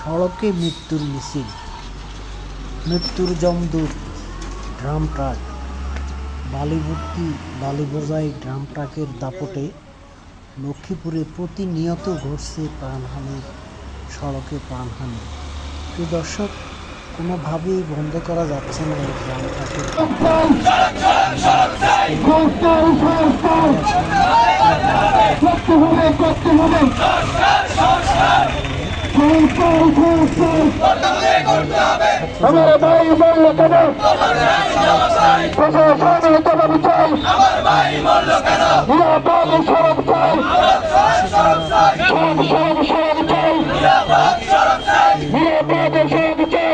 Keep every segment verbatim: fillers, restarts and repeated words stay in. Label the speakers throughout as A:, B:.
A: সড়কে মৃত্যুর মিছিল, মৃত্যুর যমদূত ড্রাম ট্রাক, বালিভর্তি বালি বোঝাই ড্রাম ট্রাকের দাপটে লক্ষ্মীপুরে প্রতিনিয়ত ঘটছে প্রাণহানি, সড়কে প্রাণহানি। প্রিয় দর্শক, কোনোভাবেই বন্ধ করা যাচ্ছে না এই ড্রাম ট্রাকের
B: আমার ভাই মরল কেন? প্রশাসনের জবাব চাই, নিরাপদ সড়ক চাই, সড়ক সড়ক সড়ক চাই, নিরাপদ সড়ক চাই,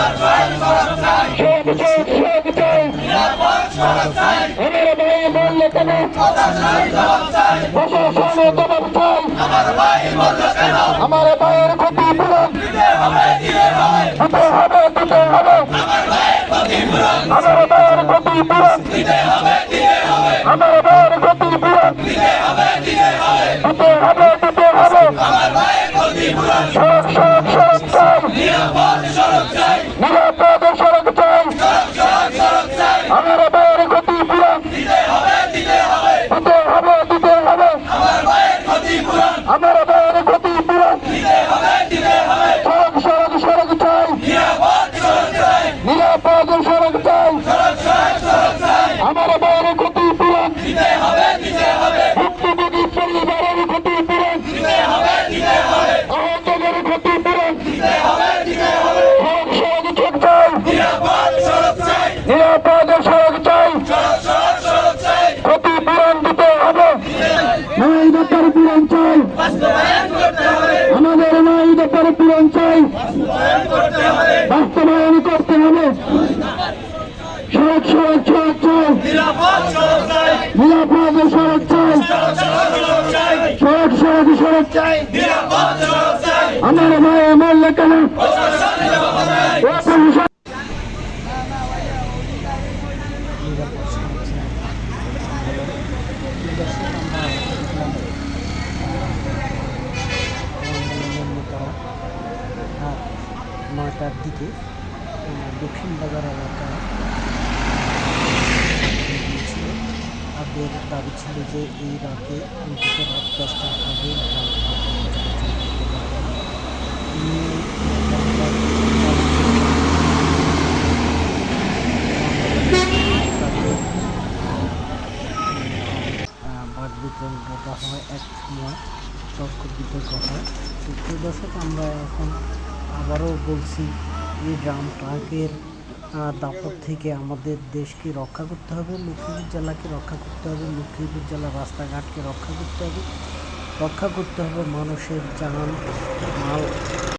B: সড়ক সড়ক সড়ক চাই। আমার ভাই মরল কেন? প্রশাসনের জবাব চাই, আমার ভাইয়ের ক্ষতি পূরণ দিতে হবে, দিতে হবে। আমার ভাইয়ের ক্ষতি পূরণ দিতে হবে, আমার ভাইয়ের ক্ষতি পূরণ দিতে হবে, দিতে হবে, দিতে হবে। সড়ক সড়ক সড়ক চাই, নিরাপদ সড়ক চাই, আমার ভাইয়ের ক্ষতি পূরণ দিতে হবে, দিতে হবে, দিতে হবে। আমার ভাইয়ের ক্ষতি পূরণ দিতে হবে, দিতে হবে। সড়ক সড়ক সড়ক চাই, নিরাপদ সড়ক চাই, আমার ভাইয়ের ক্ষতি পূরণ দিতে হবে, দিতে হবে। ভুক্তভোগী পরিবারের ক্ষতি পূরণ দিতে হবে, দিতে হবে। আহতদের ক্ষতি পূরণ দিতে হবে, দিতে হবে। সড়ক সড়ক ঠিক চাই, নিরাপদ সড়ক চাই, নিরাপদ সড়ক চাই, সড়ক সড়ক চাই। ক্ষতি পূরণ দিতে হবে, নয় দপ্তর পূরণ চাই, বাস্তবায়ন করতে হবে। আমাদের নয় দপ্তর পূরণ চাই, বাস্তবায়ন করতে হবে, বাস্তবায়ন করতে হবে। সড়ক সড়ক সড়ক চাই, নিরাপদ সড়ক চাই, নিরাপদ সড়ক চাই, সড়ক সড়ক সড়ক চাই, নিরাপদ সড়ক চাই। আমার ভাই মরল কেন?
A: নয়টার দিকে দক্ষিণ বাজার এলাকায় তাদের দাবি ছিল যে এই রাতে অন্তত রাত দশটার আগে বাদ বিতরণ করা হয়, এক সময় তর্ক বিতর্ক হয়। প্রিয় দর্শক, আমরা এখন আবারও বলছি, এই ড্রাম ট্রাকের দাপট থেকে আমাদের দেশকে রক্ষা করতে হবে, লক্ষ্মীপুর জেলাকে রক্ষা করতে হবে, লক্ষ্মীপুর জেলার রাস্তাঘাটকে রক্ষা করতে হবে, রক্ষা করতে হবে মানুষের জান মাল।